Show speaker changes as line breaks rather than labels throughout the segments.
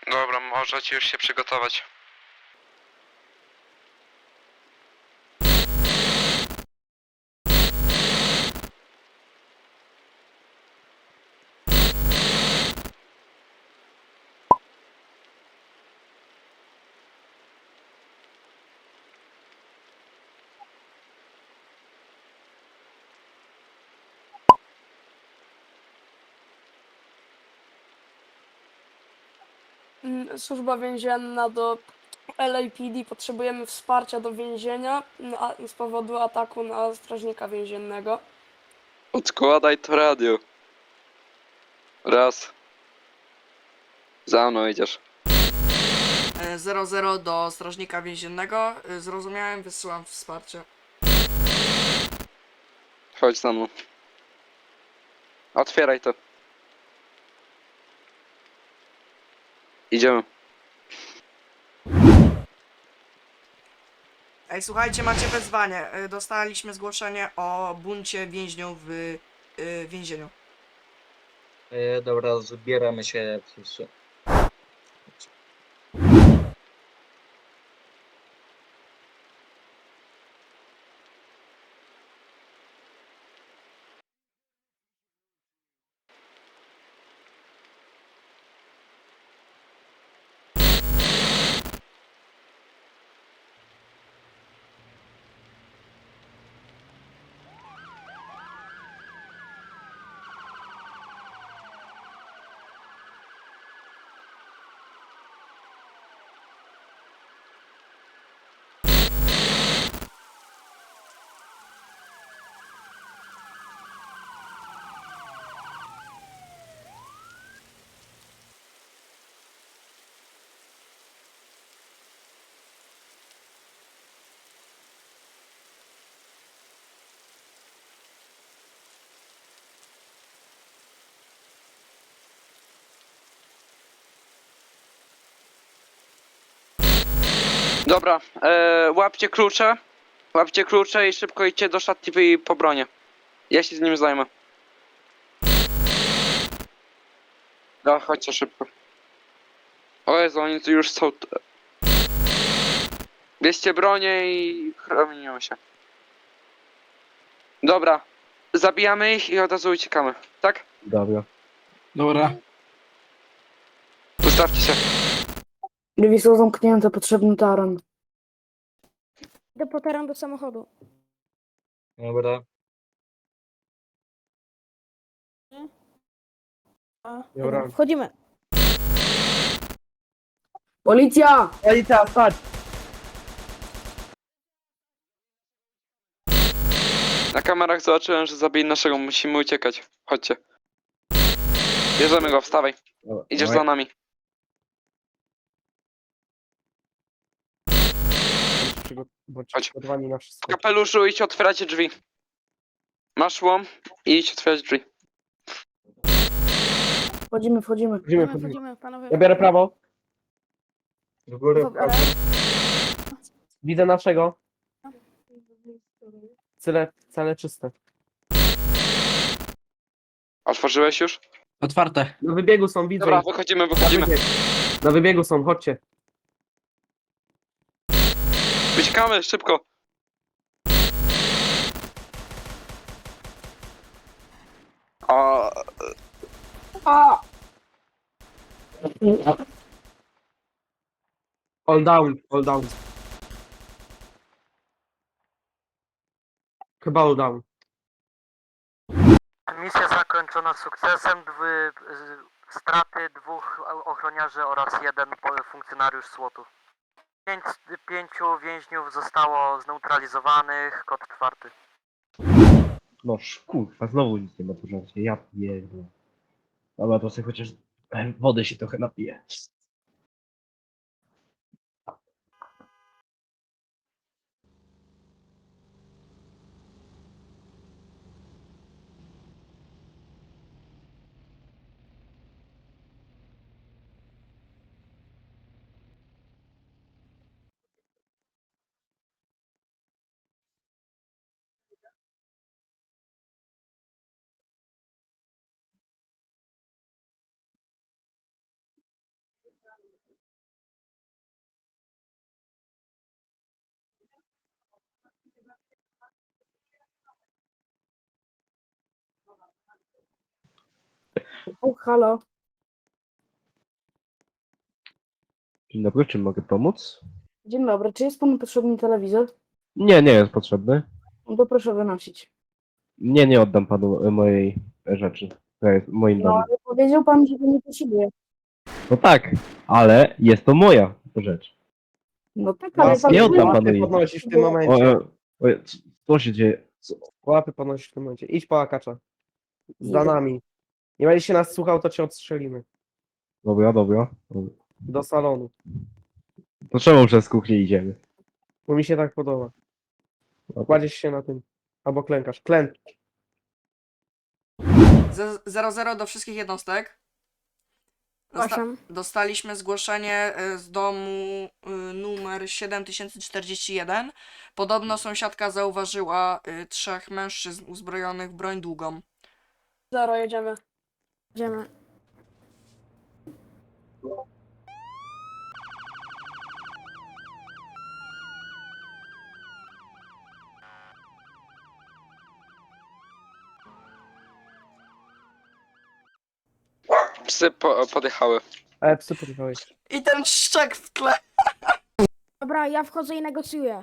Dobra, możecie już się przygotować.
Służba więzienna do LAPD. Potrzebujemy wsparcia do więzienia z powodu ataku na strażnika więziennego.
Odkładaj to radio. Raz. Za mną idziesz.
00 do strażnika więziennego. Zrozumiałem, wysyłam wsparcie.
Chodź za mną. Otwieraj to. Idziemy.
Ej, słuchajcie, macie wezwanie. Dostaliśmy zgłoszenie o buncie więźniów w więzieniu.
Dobra, zbieramy się wszyscy.
Dobra, łapcie klucze. Łapcie klucze i szybko idźcie do szatni i po bronię. Ja się z nim zajmę. No, chodźcie szybko. O Jezu, oni tu już są. Bierzcie bronię i chronimy się. Dobra, zabijamy ich i od razu uciekamy, tak?
Dobra.
Dobra.
Ustawcie się.
Drzwi są zamknięte, potrzebny taran.
Idę po teren do samochodu.
Dobra.
Dobra.
Wchodzimy.
Policja!
Policja, stać!
Na kamerach zobaczyłem, że zabili naszego, musimy uciekać. Chodźcie. Bierzemy go, wstawaj. Idziesz za nami.
Bądź
Chodź.
przygotowani na
W
wszystko.
kapeluszu idź otwieracie drzwi. Masz łom i idź otwierać drzwi.
Wchodzimy.
Wchodzimy.
Panowie.
Ja biorę prawo.
Do góry.
Dobra.
Widzę naszego. Cele czyste.
Otworzyłeś już?
Otwarte. Na wybiegu są, widzę
Dobra,
ich.
wychodzimy,
Na
wychodzimy.
wybieg. Na wybiegu są, chodźcie.
Uciekamy, szybko. O,
All down, all down. Chyba all down.
Misja zakończona sukcesem. Straty 2 ochroniarzy oraz 1 funkcjonariusz SWOT-u. 5 więźniów zostało zneutralizowanych. Kod 4.
No kurwa, znowu nic nie ma tu żarcie, ja pierdolę. Dobra, to sobie chociaż wody się trochę napiję.
O, halo.
Dzień dobry, czym mogę pomóc?
Dzień dobry, czy jest panu potrzebny telewizor?
Nie, nie jest potrzebny.
No to proszę wynosić.
Nie oddam panu mojej rzeczy. To jest w moim
No,
domu.
ale powiedział pan, że to nie potrzebuje.
No tak, ale jest to moja rzecz.
No tak,
No,
ale
Pas nie oddam
łapy
panu jej.
podnosisz w tym momencie.
Co się dzieje?
Łapy podnosisz w tym momencie. Idź po akacza. Z
Idę.
danami. Nie będziesz się nas słuchał, to cię odstrzelimy.
Dobra.
Do salonu.
To czemu przez kuchnię idziemy?
Bo mi się tak podoba. Kładziesz się na tym. Albo klękasz. Klęk.
00 do wszystkich jednostek.
Przepraszam.
Dostaliśmy zgłoszenie z domu numer 7041. Podobno sąsiadka zauważyła 3 mężczyzn uzbrojonych w broń długą.
0, jedziemy. Jedziemy.
Psy podjechały.
Ale psy podjechałeś.
I ten szczek w tle.
Dobra, ja wchodzę i negocjuję.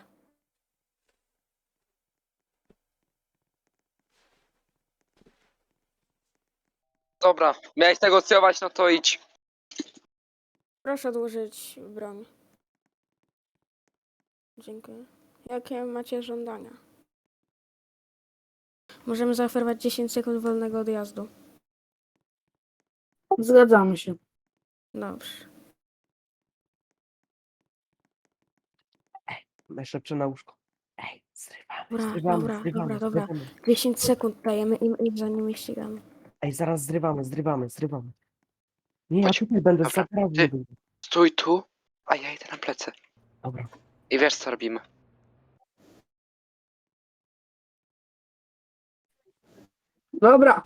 Dobra, miałeś negocjować, no to idź.
Proszę odłożyć broń. Dziękuję. Jakie macie żądania? Możemy zaoferować 10 sekund wolnego odjazdu.
Zgadzamy się.
Dobrze.
Najszybsze na łóżko. Ej,
Dobra,
zrywamy.
10 sekund dajemy im i za nimi ścigamy.
Ej, zaraz zrywamy. Nie, ja
Chodź.
tutaj będę
Dobra,
za prawą.
ty. Stój tu, a ja idę na plecy.
Dobra.
I wiesz co robimy.
Dobra.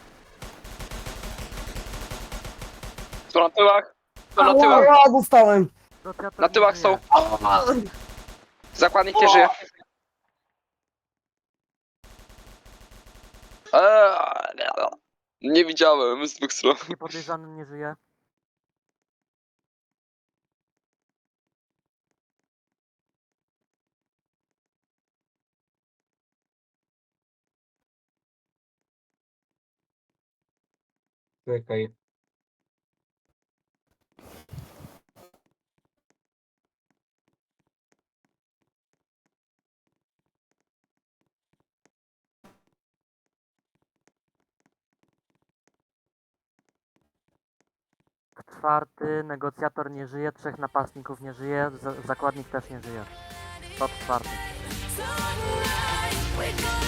Są na tyłach. Są na tyłach.
Ała, dostałem.
Na tyłach są. Zakładnik nie żyje. Nie widziałem z dwóch stron.
Niepodejrzany nie żyje.
Czekaj.
Czwarty, negocjator nie żyje, 3 napastników nie żyje, zakładnik też nie żyje. To czwarty.
Sunlight, we go